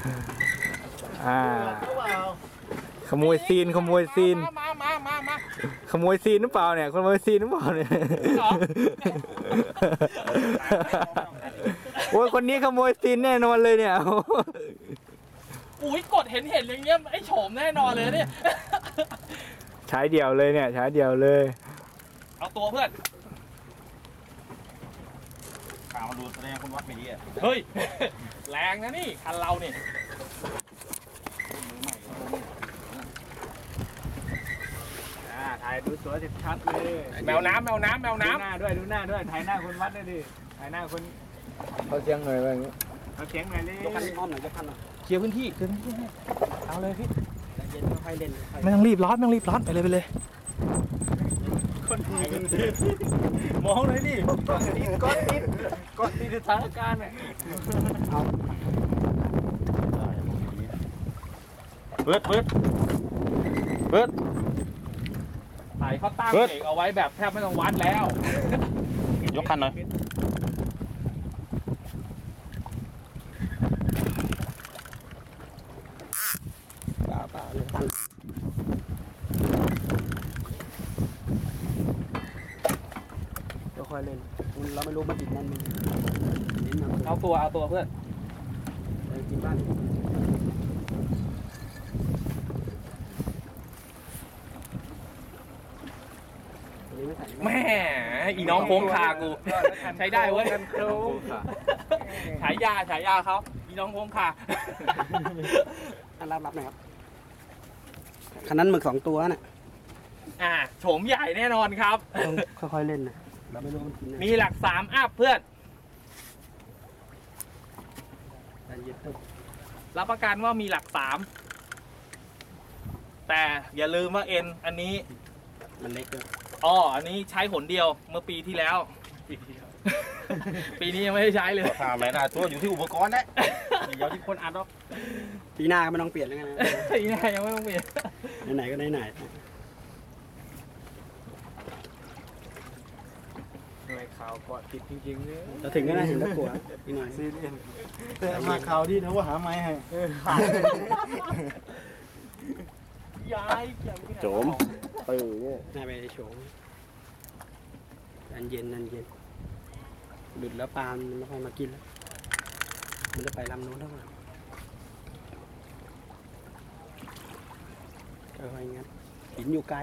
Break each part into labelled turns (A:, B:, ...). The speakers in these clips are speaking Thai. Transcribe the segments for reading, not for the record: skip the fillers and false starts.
A: ขโมยซีนขโมยซีนขโมยซีนหรือเปล่าเนี่ยขโมยซีนหรือเปล่าเนี่ยโอ้ยคนนี้ขโมยซีนแน่นอนเลยเนี่ย
B: อุ้ยกดเห็นอย่างเงี้ยไอ้โฉมแน่นอนเลยเนี่ย
A: ใช้เดี่ยวเลยเนี่ยใช้เดี่ยวเลย
B: เอาตัวเพื่อน
C: ข่าวมาดูแสดงคนวัดไม่ดีอ่ะ
B: เฮ้ยแรงนะนี่คันเราเนี่ย
A: ถ่ายดูสวยชัดเลย
B: แมวน้ำ
A: ดูหน้าด้วยถ่ายหน้าคนวัดด้วยดิถ่ายหน้าคนเขาเสียงหน่อยว่าอย่างนี้เขาเสียงหน่อยเลย
C: ยกคันอ้อมหน่อยยกคันหน่อย
B: เคลียร์พื้นที่เอาเลยพี่
C: เย็นค่อยเล่น
B: ไม่ต้องรีบร้อนไปเลย
A: คนมองเลยดิก้อนติดสถานการณ์เนี่ย
C: เปิด
B: ถ่ายเขาตั้งเอกเอาไว้แบบแทบไม่ต้องวัดแล้ว
C: ยกคันหน่อย
A: ป่าเลย
C: ค่อยเล่นเราไม่รู้มันติดนั่น
B: เอาตัวเพื่อน
C: กินบ้าน
B: แม่อีน้องโค้งคากูใช้ได้เว้ยฉายาเขาอีน้องโค้งคา
C: รับหน่อยครับคันนั้นหมึก2 ตัวน่ะ
B: โฉมใหญ่แน่นอนครับ
C: ค่อยๆเล่นนะเราไม่รู้มันกิน
B: มีหลัก3อัพเพื่อนรับประกันว่ามีหลัก3แต่อย่าลืมว่าเอ็นอันนี้
C: มันเล็กด้วย
B: อันนี้ใช้หนเดียวเมื่อปีที่แล้วปีนี้ยังไม่ได้ใช้เลย
C: ถามอะไรนะตัวอยู่ที่อุปกรณ์นะเดี๋ยวที่คนอัดหรอกปีหน้าก็ไม่ต้องเปลี่ยนแล้วกันนะ
B: ปีหน้ายังไม่ต้องเปลี่ยน
C: ไหนก็ไหน
A: ข่าวเกาะติดจริงๆเลย
C: จะถึงก็น่าเห็นตะกั่วอีกหน่อย
A: ซีเรียสแต่มาข่าวที่นะว่าหาไม้ให้
B: ย้าย
C: โจมเนี่ยนายไปโฉมเย็นหลุดแล้วปลามันไม่ค่อยมากินแล้วมันจะไปลำโน้นแล้วค่อยๆงั้นหินอยู่ไกล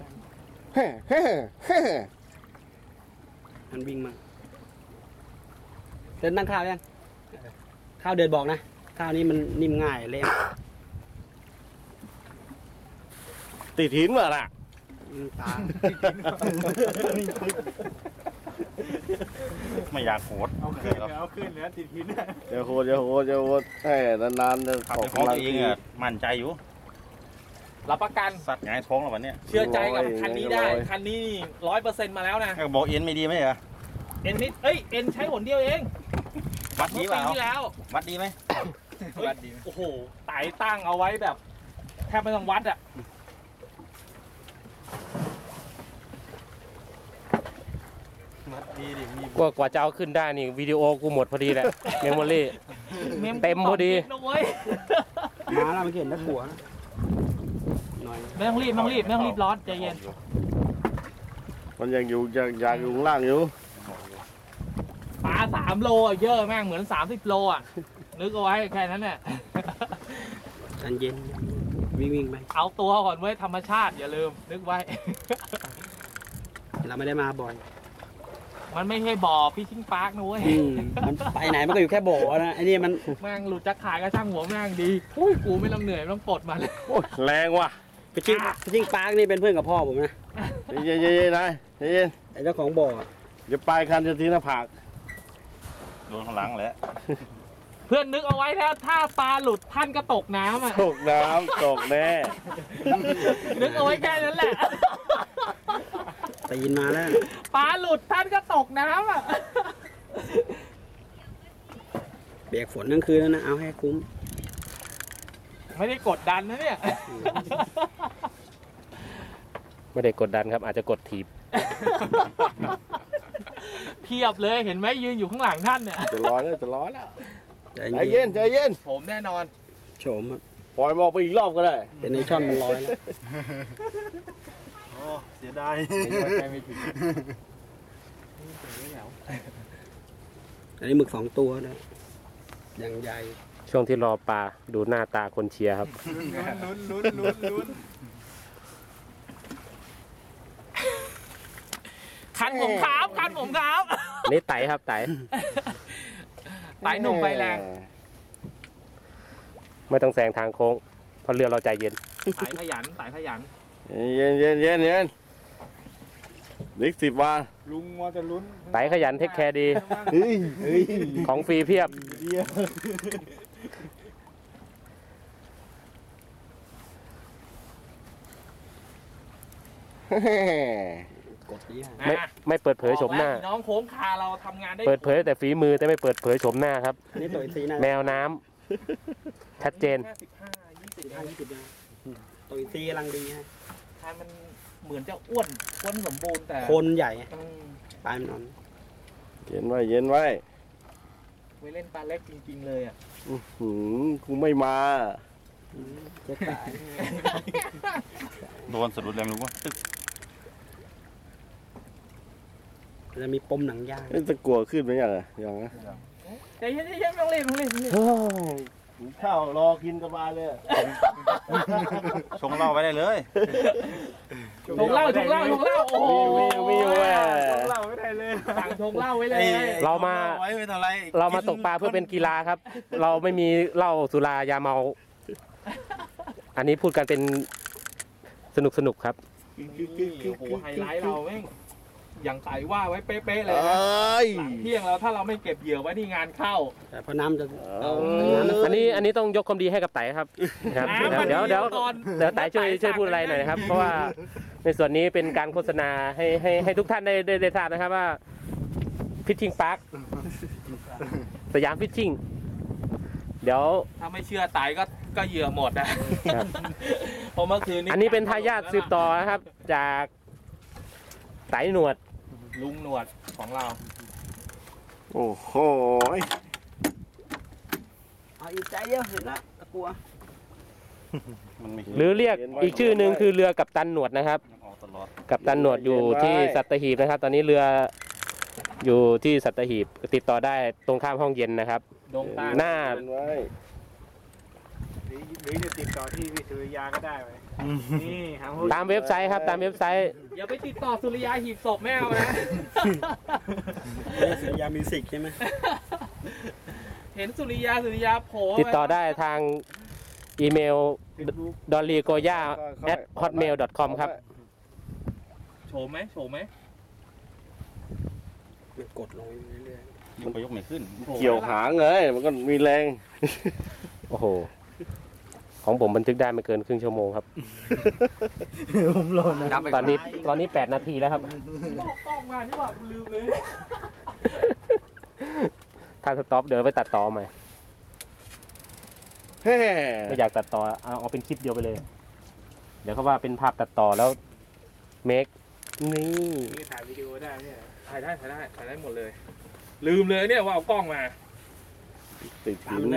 C: มันวิ่งมาเดินนั่งข้าวยังข้าวเดินบอกนะข้าวนี้มันนิ่มง่ายเลยติดหินเหรอล่ะตาไม่อยากโหด
A: เอาขึ้นแล้วติดหิน
C: จะโหดแค่นานๆจะขับของตัวเองอ่ะมั่นใจอยู่
B: รับประกัน
C: สัตว์หงายท้องแล้ววันนี้
B: เชื่อใจกับคันนี้ได้คันนี้100%มาแล้วนะ
C: บอกเอ็นไม่ดีไหมเหรอ
B: เอ็นนิดเอ็นใช้หนเดียวเอง
C: วัดดีเปล่าวัดดีไหม
B: วัดดีโอ้โหไต่ตั้งเอาไว้แบบแทบไม่ต้องวัดอ่ะ
D: กว่าจะเอาขึ้นได้นี่วิดีโอกูหมดพอดีแหละเมมโมรี่เต็มพอดี
C: มาแล้วมันเห็นตะกั่ว
B: ไม่ต้องรีบร้อนใจเย็น
C: มันยังอยู่อยากอยู่ข้างล่างอยู่
B: ปลา3 โลเยอะแม่งเหมือน30 โลอ่ะนึกเอาไว้แค่นั้นเนี่ย
C: เย็นวิ่งไป
B: เอาตัวก่อนไว้ธรรมชาติอย่าลืมนึกไว้
C: เราไม่ได้มาบ่อย
B: มันไม่ใช่บ่อพี่ชิงปาร์กนะเว้ย
C: มันไปไหนมันก็อยู่แค่บ่อนะไอ้นี่มัน
B: แม่งหลุดจากขายก็ช่างหัวแม่งดีอุ้ยกูไม่ต้องเหนื่อยต้องปลดมาเลย
C: แรงว่ะพี่ชิงปาร์กนี่เป็นเพื่อนกับพ่อผมนะเย็นนายเย็นไอ้เจ้าของบ่อเดี๋ยวปลายคันจะทิ้งหน้าผากโดนข้างหลังแหละ
B: เพื่อนนึกเอาไว้ถ้าปลาหลุดท่านก็ตกน้ำอ่ะ
C: ตกแน่
B: นึกเอาไว้แค่นั้นแหละ
C: ตีนมาแล้ว
B: ปลาหลุดท่านก็ตกน้ำอ่ะ
C: เบียกฝนทั้งคืนแล้วนะเอาให้คุ้ม
B: ไม่ได้กดดันนะเนี่ย
D: ไม่ได้กดดันครับอาจจะกดถีบ
B: เพียบเลยเห็นไหมยืนอยู่ข้างหลังท่านเนี่ย
C: จะร้อนแล้วใจเย็น
B: ผมแน่นอน
E: โฉมครับ
C: ปล่อยมันออกไปอีกรอบก็ได้
E: เป็นไอช่อนมันลอยแล้ว
A: โอ้เสียดาย
B: ใจไม่ถึง
E: อันนี้หมึก2 ตัวนะอย่างใหญ่
D: ช่วงที่รอปลาดูหน้าตาคนเชียร์ครับ
A: ลุ้น
B: คันผมครับคันผมครับ
D: อันนี้ไต่ครับไต่
B: ไต่หนุ่มไฟแรง
D: ไม่ต้องแซงทางโค้งเพราะเรือเราใจเย็น
B: สายขยันสายขยัน
C: เย็นนิก10 วัน
A: ลุงว่าจะลุ้น
D: ไต่ขยันเทคแคร์ดี
C: เฮ้ย
D: ของฟรีเพียบ
E: กดนี้ฮะ
D: ไม่เปิดเผยโฉมหน้า
B: บอกแล้วพี่น้องโค้งคาเราทำงานได้
D: เปิดเผยแต่ฝีมือแต่ไม่เปิดเผยโฉมหน้าครับ
E: อันนี้ตัวซีนะ
D: แมวน้ำชัดเจน
E: 15-20นะตัวซีกำลังดีฮะ
B: ทานมันเหมือนจะอ้วนสมบูรณ์แต่
E: โคนใหญ่
B: อืม
E: ปลายมันนอน
C: เย็นไว้
B: ไว้เล่นปลาเล็กจริงๆเลยอ่ะ
C: กูไม่มา
E: จะตาย
C: โดนสะดุดแรงรู้ว่า
E: จะมีปมหนังยาง
C: จะกลัวขึ้นไหมอย่างอย่างนะ
B: ใจเย็นๆไม่ต้องเล่นไม่ต้องเล่น
C: ข้าวรอกินสบายเลยชงเหล้าไปได้เลย
B: ชงเหล้าโอ้โห
C: มีแหว
A: เล่าไม่ได้เลย
B: สั่งชงเหล้าไว้เลย
D: เรามา
C: ไว้ไม่เท่าไร
D: เรามาตกปลาเพื่อเป็นกีฬาครับ เราไม่มีเหล้าสุรายาเมา อันนี้พูดกันเป็นสนุกครับ
B: โอ้โหไฮไลท์เราแม่งอย่างใส่ว่าไว้เป๊ะๆเลย
C: เอ
B: นะ
C: ้ย
B: หลังเที่ยงแล้วถ้าเราไม่เก็บเหยื่อไว้ที่งานเข้า
E: แต่พอน้ำจะ
C: เอา
D: อันนี้ต้องยกความดีให้กับไต่ครับครับ
B: น้ำมัน
D: เดี๋ยว
B: ก่อน
D: ไต่ช่วยพูดอะไรหน่อยนะครับ เพราะว่าในส่วนนี้เป็นการโฆษณาให้ทุกท่านได้ทราบนะครับว่าฟิชชิงพาร์คสยามฟิชชิงเดี๋ยว
B: ถ้าไม่เชื่อไตก็เหยื่อหมดนะครับ เพราะเมื่อคืนนี้
D: อันนี้เป็นทายาทสืบต่อนะครับ จากไต่หนวด
B: ลุงหนวดของเรา
C: โอ้โห
E: เอาอีกใจเดียวเห็นแล้วกลัว
D: หรือเรียกอีกชื่อหนึ่งคือเรือกัปตันหนวดนะครับ กัปตันหนวดอยู่ที่สัตหีบนะครับ ตอนนี้เรืออยู่ที่สัตหีบติดต่อได้ตรงข้ามห้องเย็นนะครับ
B: ดงตา
D: หน้า
A: หรือจะติดต่อที่วิทยาก็ได้ไหมนี่หา
D: ตามเว็บไซต์ครับตามเว็บไซต์
B: อย่าไปติดต่อสุริยาหีบศพแม่เอานะ
E: เสียยามิวสิกใช่ไหม
B: เห็นสุริยาโผล่
D: ติดต่อได้ทางอีเมล dollygoya@hotmail.com ครับ
B: โฉมไหม
E: มันกดลงเรื่อย
C: มันยกไม่ขึ้น เกี่ยวหางเลยมันก็มีแรง
D: โอ้โห ของผมบันทึกได้ไม่เกินครึ่งชั่วโมงครับ
A: ผมรอนะ
D: ตอนนี้8 นาทีแล้วครับ
B: บอกกล้องมาที่ว่าลืมเลย
D: ถ้าสต็อปเดี๋ยวไปตัดต่อใหม่
C: แฮ่
D: ไม่อยากตัดต่อเอาเป็นคลิปเดียวไปเลย เดี๋ยวเขาว่าเป็นภาพตัดต่อแล้วเมคนี่
A: นี่ถ่ายวิดีโอได้เนี่ย
B: ถ่ายได้หมดเลย ลืมเลยเนี่ยว่าเอากล้องมา
C: ติดหินแน่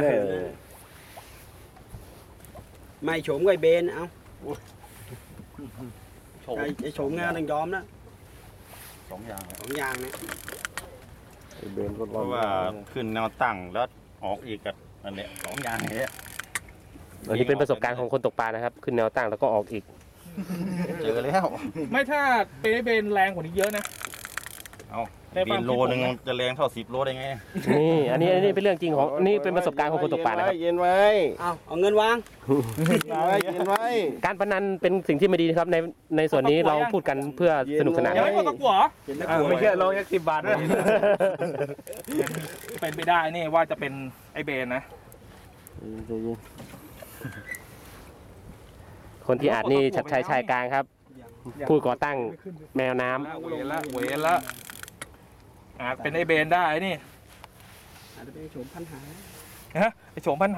E: ๆไม่โฉมกับไอ้เบนเอา
B: โฉม
E: ไอ้โฉมงานต้องยอมนะ
C: 2 อย่าง
E: 2 อย่างนะ
C: เบนก็
F: เพราะว่าขึ้นแนวตั้งแล้วออกอีกกับอันเนี้ย2 อย่างเนี้ย
D: อันนี้เป็นประสบการณ์ของคนตกปลานะครับ ขึ้นแนวตั้งแล้วก็ออกอีก
F: เจอแล้ว
B: ไม่ถ้าเบนแรงกว่านี้เยอะนะ
F: เอา
B: ในความ
F: บินโลนึงจะแรงเท่า10 โลได้ไง
D: นี่อันนี้เป็นเรื่องจริงของนี่เป็นประสบการณ์ของคนตกปลานะครับ
C: เย็นไว้
E: เอาเงินวาง
C: เย็นไว้
D: การพนันเป็นสิ่งที่ไม่ดีนะครับในส่วนนี้เราพูดกันเพื่อสนุกสนาน
B: ยังไม่หมดตะกั่วเหรอ
E: เห็นแล้วกลัว
A: ไม่เชื่อลองยัก10 บาทด้วย
B: เป็นไปได้นี่ว่าจะเป็นไอเบนนะ
D: คนที่อาจนี่ชัดชัยชายกลางครับ ผู้ก่อตั้งแมวน้ำ
B: เวรละอาจเป็นไอเบนได้นี่
E: อาจจะเป็นโฉมพันหา
B: ฮะไอโฉมพัน